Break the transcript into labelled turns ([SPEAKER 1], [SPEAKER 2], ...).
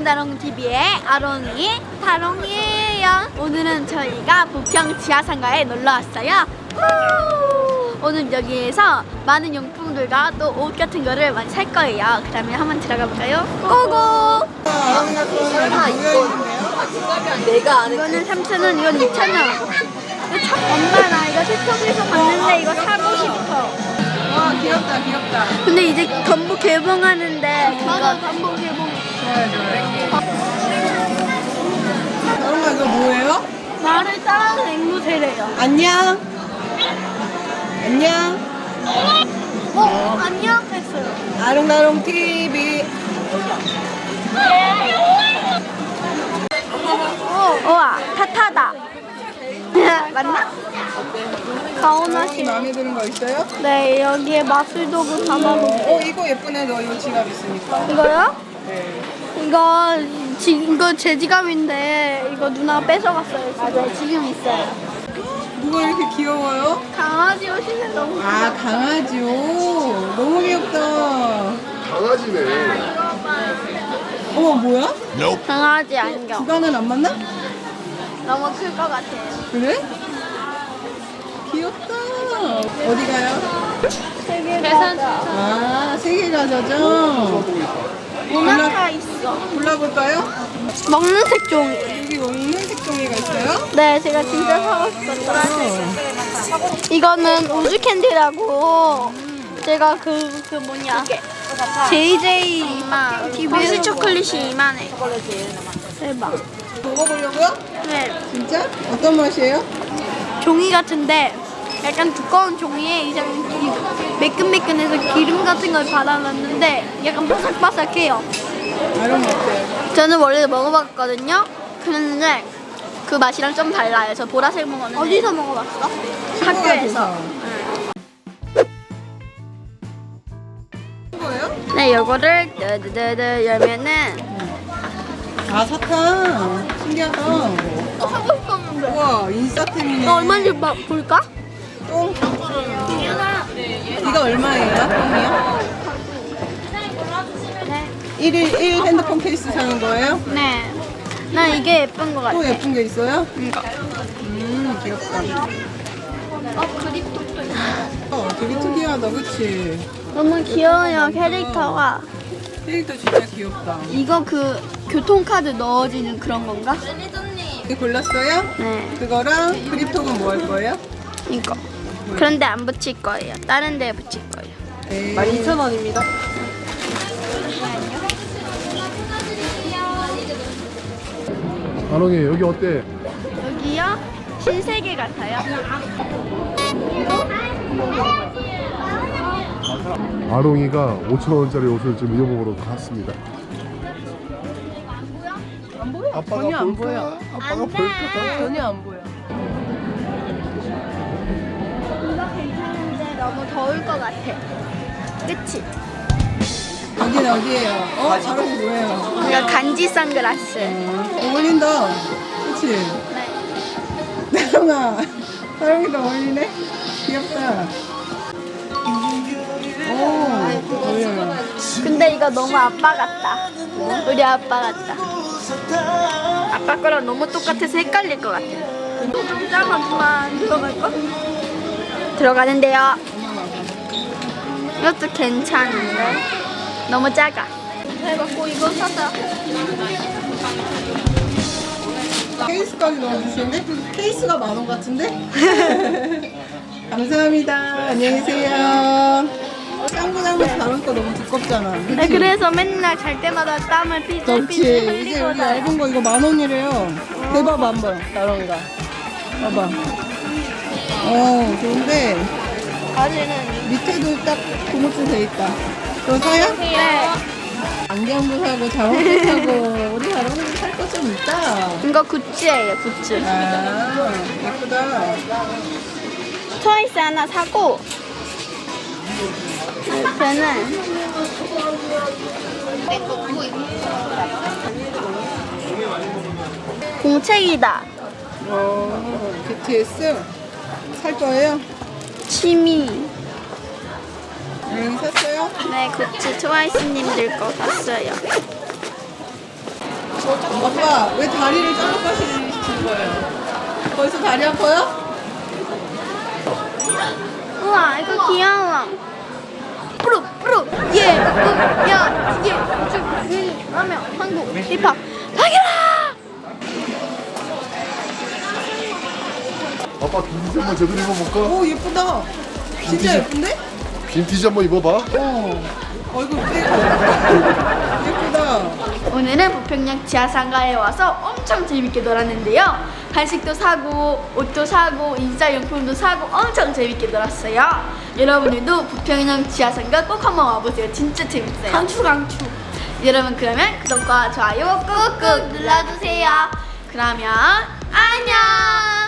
[SPEAKER 1] 다롱TV의 아롱이 다롱이에요. 오늘은 저희가 부평 지하상가에 놀러 왔어요. 오늘 여기에서 많은 용품들과 또 옷 같은 거를 많이 살 거예요. 그 다음에 한번 들어가 볼까요? 고고!
[SPEAKER 2] 설마 이거 내가 아는
[SPEAKER 1] 이거는 3,000원, 이건 2,000원. 엄마 나 이거 틱톡에서 봤는데 이거 사고 싶어.
[SPEAKER 2] 와 귀엽다 귀엽다.
[SPEAKER 1] 근데 이제 전부 개봉하는데 맞아, 전부 개봉.
[SPEAKER 2] 좋아요. 설마 이거 뭐예요?
[SPEAKER 1] 나를 따라하는 앵무새래요.
[SPEAKER 2] 안녕. 안녕.
[SPEAKER 1] 안녕 했어요.
[SPEAKER 2] 아롱다롱 TV.
[SPEAKER 1] 우와, 타타다. 맞나? 가오나시.
[SPEAKER 2] 마음에 드는 거 있어요?
[SPEAKER 1] 네, 여기에 마술도구 담아놓고.
[SPEAKER 2] 이거 예쁘네. 너 이거 지갑 있으니까.
[SPEAKER 1] 이거요?
[SPEAKER 2] 네.
[SPEAKER 1] 이거 제 지갑인데 이거 누나가 뺏어갔어요. 맞아요, 지금 있어요.
[SPEAKER 2] 누가 이렇게 귀여워요?
[SPEAKER 1] 강아지 옷이네 너무.
[SPEAKER 2] 아 강아지 옷. 너무 귀엽다.
[SPEAKER 3] 강아지네.
[SPEAKER 2] 어머 뭐야?
[SPEAKER 1] 강아지 안경.
[SPEAKER 2] 주간은 안 맞나?
[SPEAKER 1] 너무 클 것 같아요.
[SPEAKER 2] 그래? 귀엽다. 어디 가요?
[SPEAKER 1] 되게 계산.
[SPEAKER 2] 아, 세계 가자죠.
[SPEAKER 1] 모나카 있어.
[SPEAKER 2] 골라볼까요?
[SPEAKER 1] 먹는 색종이.
[SPEAKER 2] 여기 먹는 색종이가 있어요?
[SPEAKER 1] 네, 제가 진짜 사고 싶었어요. 이거는 우주 캔디라고. 제가 그 뭐냐. JJ TV에서 초콜릿이 이만해. 대박.
[SPEAKER 2] 먹어보려고요?
[SPEAKER 1] 네.
[SPEAKER 2] 진짜? 어떤 맛이에요?
[SPEAKER 1] 종이 같은데 약간 두꺼운 종이에 이제 매끈매끈해서 기름 같은 걸 발라놨는데 약간 바삭바삭해요.
[SPEAKER 2] 아름 어때요?
[SPEAKER 1] 저는 원래 먹어봤거든요. 그런데 그 맛이랑 좀 달라요. 저 보라색 먹었는데. 어디서 먹어봤어? 학교에서.
[SPEAKER 2] 거예요?
[SPEAKER 1] 네, 요거를 열면은
[SPEAKER 2] 아, 사탕. 신기하다.
[SPEAKER 1] 하고 싶었는데.
[SPEAKER 2] 우와, 인싸템이네.
[SPEAKER 1] 얼마인지 볼까?
[SPEAKER 2] 똥. 이거 얼마예요? 똥이요?
[SPEAKER 1] 네.
[SPEAKER 2] 1 핸드폰 케이스 사는 거예요?
[SPEAKER 1] 네. 난 이게 예쁜 것 같아.
[SPEAKER 2] 또 예쁜 게 있어요?
[SPEAKER 1] 이거.
[SPEAKER 2] 귀엽다.
[SPEAKER 1] 그립톡도 있어.
[SPEAKER 2] 되게 특이하다, 그치?
[SPEAKER 1] 너무 귀여워요, 캐릭터가.
[SPEAKER 2] 캐릭터 진짜 귀엽다.
[SPEAKER 1] 이거 그 교통카드 넣어지는 그런 건가?
[SPEAKER 2] 이거 골랐어요?
[SPEAKER 1] 네.
[SPEAKER 2] 그거랑 그립톡은 뭐 할 거예요?
[SPEAKER 1] 이거. 그런데 안 붙일 거예요. 다른 데에 붙일 거예요.
[SPEAKER 2] 네. 12,000원입니다.
[SPEAKER 3] 아롱이 여기 어때?
[SPEAKER 1] 여기요? 신세계 같아요.
[SPEAKER 3] 아롱이가 5,000원짜리 옷을 지금 입어보러 갔습니다.
[SPEAKER 2] 안 보여?
[SPEAKER 3] 아빠가
[SPEAKER 2] 전혀 안
[SPEAKER 3] 볼까?
[SPEAKER 2] 보여.
[SPEAKER 3] 아빠가
[SPEAKER 1] 안 돼.
[SPEAKER 3] 볼까?
[SPEAKER 2] 전혀 안 보여.
[SPEAKER 1] 이거 괜찮은데 너무 더울 것 같아. 그치?
[SPEAKER 2] 여기는 어디예요? 바로 뭐예요?
[SPEAKER 1] 이거 간지 선글라스.
[SPEAKER 2] 어울린다. 그치?
[SPEAKER 1] 네.
[SPEAKER 2] 나영아. 나영이도 어울리네? 귀엽다. 오, 어울려요.
[SPEAKER 1] 근데 이거 너무 아빠 같다. 우리 아빠 같다. 아빠 거랑 너무 똑같아서 헷갈릴 것 같아. 좀 작아지만 들어갈까? 들어가는데요. 이것도 괜찮은데 너무 작아. 그래갖고 이거 사자.
[SPEAKER 2] 케이스까지 넣어주시는데? 케이스가 10,000원 같은데? 감사합니다. 안녕히 계세요. 짱구장에서 다룰 거 너무 두껍잖아. 그치?
[SPEAKER 1] 네, 그래서 맨날 잘 때마다 땀을 삐질삐질
[SPEAKER 2] 그렇지. 이게
[SPEAKER 1] 흘리고
[SPEAKER 2] 여기
[SPEAKER 1] 다녀.
[SPEAKER 2] 얇은 거 이거 10,000원이래요. 대봐봐 한번 나롱이가. 봐봐. 좋은데
[SPEAKER 1] 바지는
[SPEAKER 2] 밑에도 딱 고무줄 돼 있다. 그거 사요?
[SPEAKER 1] 네.
[SPEAKER 2] 안경도 사고 자원도 사고 우리 다롱이도 살 거 좀 있다.
[SPEAKER 1] 이거 굿즈예요, 굿즈.
[SPEAKER 2] 아 예쁘다.
[SPEAKER 1] 트와이스 하나 사고 이렇게는 공책이다.
[SPEAKER 2] BTS 살 거예요?
[SPEAKER 1] 취미.
[SPEAKER 2] 여기 샀어요?
[SPEAKER 1] 네, 굿즈 트와이스님들 거 샀어요.
[SPEAKER 2] 아빠 왜 다리를 잘라 가시는 거예요? 벌써 다리 아파요?
[SPEAKER 1] 우와 이거 귀여워. 프로 야 이게 라면 한국 힙합 당연아.
[SPEAKER 3] 아빠 빈티지 한번 제대로 입어볼까?
[SPEAKER 2] 오 예쁘다. 진짜 예쁜데?
[SPEAKER 3] 빈티지 한번 입어봐.
[SPEAKER 2] 얼굴 떼고 예쁘다.
[SPEAKER 1] 오늘은 부평역 지하상가에 와서 엄청 재밌게 놀았는데요. 간식도 사고 옷도 사고 인싸용품도 사고 엄청 재밌게 놀았어요. 여러분들도 부평역 지하상가 꼭 한번 와보세요. 진짜 재밌어요. 강추. 여러분 그러면 구독과 좋아요 꾹꾹 눌러주세요. 그러면 안녕.